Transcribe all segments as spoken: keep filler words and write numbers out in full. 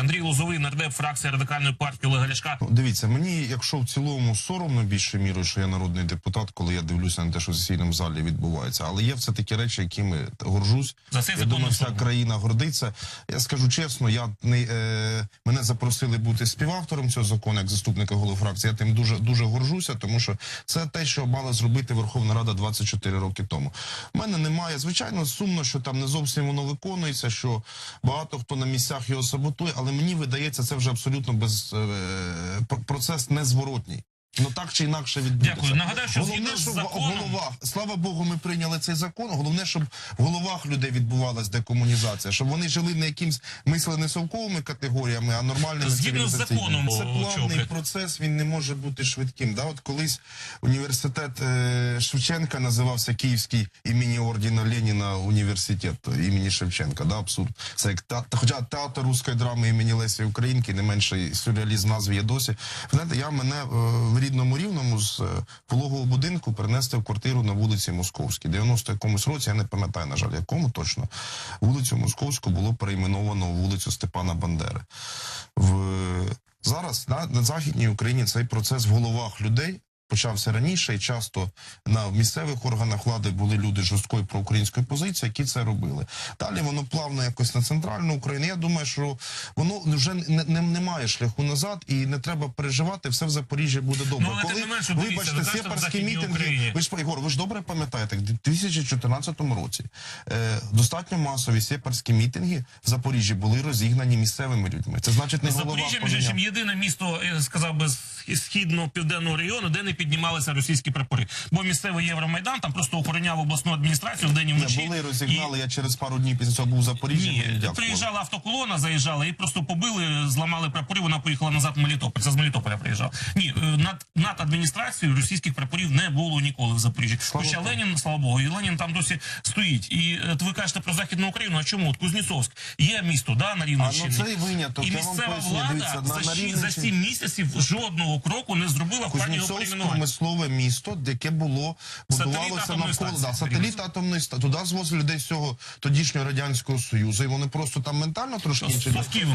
Андрій Лозовий, нардеп, фракція Радикальної партії Олега Ляшка. Дивіться, мені, якщо в цілому соромно більше мірою, що я народний депутат, коли я дивлюся на те, що в сесійному залі відбувається, але є все такі речі, якими горжусь. За це я думаю, вся країна гордиться. Я скажу чесно, я не е, мене запросили бути співавтором цього закону, як заступника голови фракції. Я тим дуже дуже горжуся, тому що це те, що мала зробити Верховна Рада двадцять чотири роки тому. У мене немає, звичайно, сумно, що там не зовсім воно виконується, що багато хто на місцях його саботує, але мені видається, це вже абсолютно без е, процес незворотній. Ну так чи інакше відбудеться. Дякую. Нагадаю, що головне, щоб в головах, слава Богу, ми прийняли цей закон. Головне, щоб в головах людей відбувалась декомунізація, щоб вони жили не якимсь мислено совковими категоріями, а нормальними цивілізаційними. Це плавний процес, він не може бути швидким. Да? От колись університет е, Шевченка називався Київський імені ордена Леніна університет імені Шевченка. Да? Абсурд. Це як та, хоча театр руської драми імені Лесі Українки, не менший сюрреалізм назв є досі. Знаєте, я мене е, рідному Рівному з пологового будинку перенести в квартиру на вулиці Московській. дев'яносто якомусь році, я не пам'ятаю, на жаль, якому точно, вулицю Московську було перейменовано в вулицю Степана Бандери. В... Зараз на, на Західній Україні цей процес в головах людей почався раніше, і часто на місцевих органах влади були люди жорсткої проукраїнської позиції, які це робили. Далі воно плавно якось на центральну Україну. Я думаю, що воно вже не, не, не має шляху назад, і не треба переживати, все в Запоріжжі буде добре. Ну, коли, менше, вибачте, дивіться, сепарські мітинги, ви ж, Ігор, ви ж добре пам'ятаєте, в дві тисячі чотирнадцятому році е, достатньо масові сепарські мітинги в Запоріжжі були розігнані місцевими людьми. Це значить не голова. Запоріжжя, між іншим, єдине місто, я сказав би, з східно-південного регіону, де не піднімалися російські прапори. Бо місцевий Євромайдан там просто охороняв обласну адміністрацію вдень і вночі. Не були, розігнали, і... я через пару днів після цього був в Запоріжжі. Ні, приїжджала автоколона, заїжджала і просто побили, зламали прапори, вона поїхала назад в Мелітополь. Це з Мелітополя приїжджав. Ні, над, над адміністрацією російських прапорів не було ніколи в Запоріжжі. Слава Хоча Ленін, слава Богу, і Ленін там досі стоїть. І ви кажете про Західну Україну, а чому? От Кузнєцовськ є місто, да, на Рівненщині. А, ну, це виняток. І місцева влада дивіться, за, на, на за сім місяців жодного кроку не зробила в плані його перейменування. Промислове місто, яке було, будувалося навколо, да, сателіт атомної станції. Туди звозили людей з цього тодішнього Радянського Союзу, і вони просто там ментально трошки інші.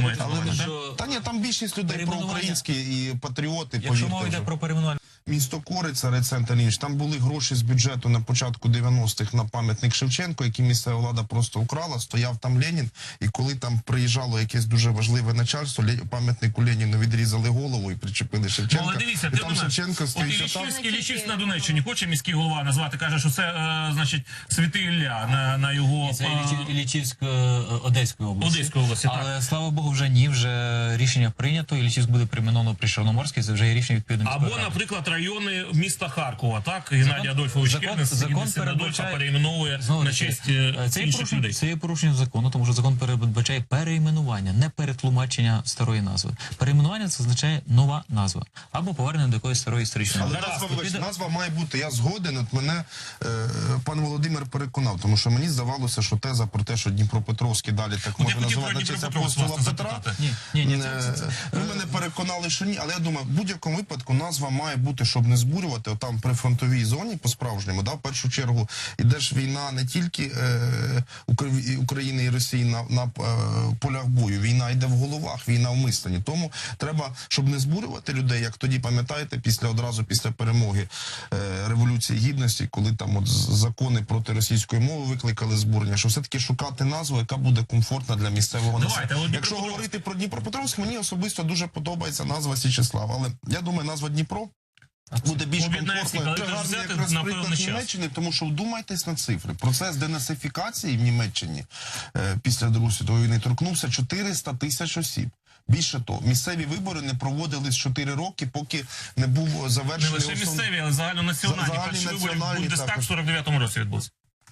Та ні, там більшість людей проукраїнські і патріоти. Якщо мова йде про перейменування. Місто Кориця, райцентр Ніч, там були гроші з бюджету на початку дев'яностих на пам'ятник Шевченко, який місцева влада просто украла, стояв там Ленін, і коли там приїжджало якесь дуже важливе начальство, пам'ятнику Леніну відрізали голову і причепили Шевченка. Але дивіться, і там Шевченко стоїть. От Іллічівськ на Донеччині хоче міський голова назвати, каже, що це, е, значить, Святий Ілля на, на його... Це Іллічівськ Одеської області. Одеської області, так. Але, слава Богу, вже ні, вже рішення прийнято, Іллічівськ буде перейменовано при Чорноморській, це вже є рішення відповідно. Або, наприклад, райони міста Харкова, так? Геннадій Адольфович Кернес, закон передбачає, перейменовує на честь це інших людей. Це є порушення закону, тому що закон передбачає перейменування, не перетлумачення старої назви. Перейменування – це означає нова назва. Або повернення до якоїсь старої історичної назви. Але назва, вибач, назва має бути, я згоден, от мене е, пан Володимир переконав, тому що мені здавалося, що теза про те, що Дніпропетровський далі так може називати на честь апостола Петра. Ні, ні, ні. Ви мене переконали, що ні, але я думаю, в будь-якому випадку назва має бути, щоб не збурювати, там при фронтовій зоні по-справжньому, да, в першу чергу, іде ж війна не тільки е, України і Росії на, на е, полях бою, війна йде в головах, війна в мисленні. Тому треба, щоб не збурювати людей, як тоді, пам'ятаєте, після одразу після перемоги е, Революції Гідності, коли там от закони проти російської мови викликали збурення, що все-таки шукати назву, яка буде комфортна для місцевого населення. Якщо говорити про Дніпропетровськ, мені особисто дуже подобається назва Січеслав, але я думаю, назва Дніпро буде більш комфортною. Це гарний якраз приклад Німеччини, тому що вдумайтесь на цифри. Процес денацифікації в Німеччині е, після Другої світової війни торкнувся чотириста тисяч осіб. Більше того, місцеві вибори не проводились чотири роки, поки не був завершений... Не лише місцеві, але загальнонаціональні. Перші вибори в Бундестаг в сорок дев'ятому році відбувся.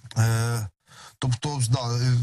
Е, тобто, да, е, е,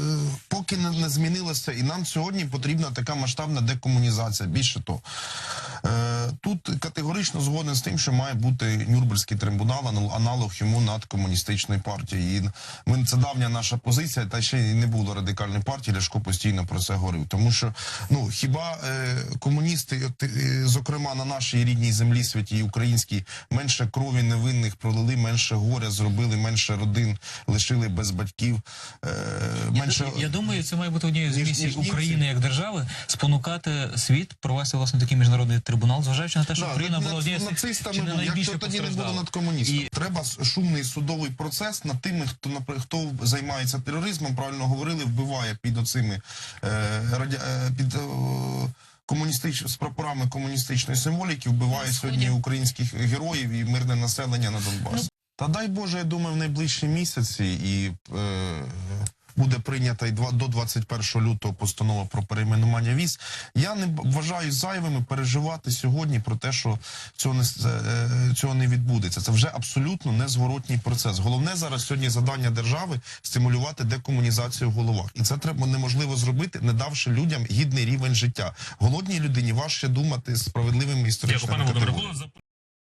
поки не, не змінилося, і нам сьогодні потрібна така масштабна декомунізація. Більше того, Е, Тут категорично згоден з тим, що має бути Нюрнберзький трибунал, анал- аналог йому над комуністичною партією. І ми, це давня наша позиція, та ще й не було радикальної партії, Ляшко постійно про це говорив. Тому що, ну, хіба е, комуністи, от, е, зокрема на нашій рідній землі, святій українській, менше крові невинних пролили, менше горя зробили, менше родин лишили без батьків, е, менше... Я, я думаю, це має бути однією з ніж- місій ніж німці. України як держави спонукати світ провести власне такий міжнародний трибунал, зважаючи на те, що Да, Україна над- була однією з тих, нацистами чи не були. найбільше Якщо тоді не було постраждала. над комуністами. І- Треба с- шумний судовий процес над тими, хто наприклад, хто займається тероризмом, правильно говорили, вбиває під оцими е, радя, е, під е, комуністич з прапорами комуністичної символіки, вбиває сьогодні українських героїв і мирне населення на Донбасі. Та дай Боже, я думаю, в найближчі місяці і е, буде прийнята і два- до двадцять першого лютого постанова про перейменування віз. Я не б- вважаю зайвими переживати сьогодні про те, що цього не, с- е, цього не відбудеться. Це вже абсолютно незворотній процес. Головне зараз сьогодні завдання держави стимулювати декомунізацію в головах. І це треба неможливо зробити, не давши людям гідний рівень життя. Голодній людині важче думати справедливими Дякую, історичними пане Володимире. категоріями. Було зап-